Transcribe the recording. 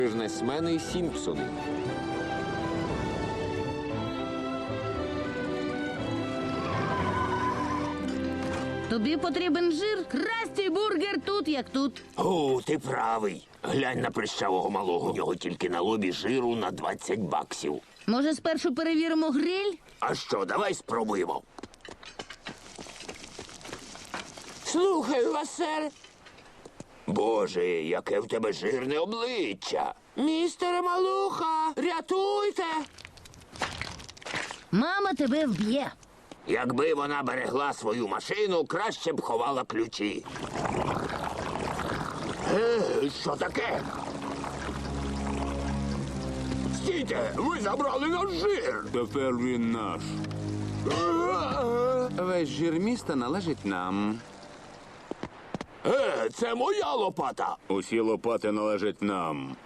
Бізнесмени Сімпсони. Тобі потрібен жир? Красті бургер тут, як тут. О, ти правий. Глянь на прищавого малого. У нього тільки на лобі жиру на 20 баксів. Може, спершу перевіримо гриль? А що, давай спробуємо. Слухаю вас, сер. Боже, яке в тебе жирне обличчя. Містере Малуха, рятуйте. Мама тебе вб'є. Якби вона берегла свою машину, краще б ховала ключі. Що таке? Стійте, ви забрали наш жир. Тепер він наш. Весь жир міста належить нам. Це моя лопата. Усі лопати належать нам.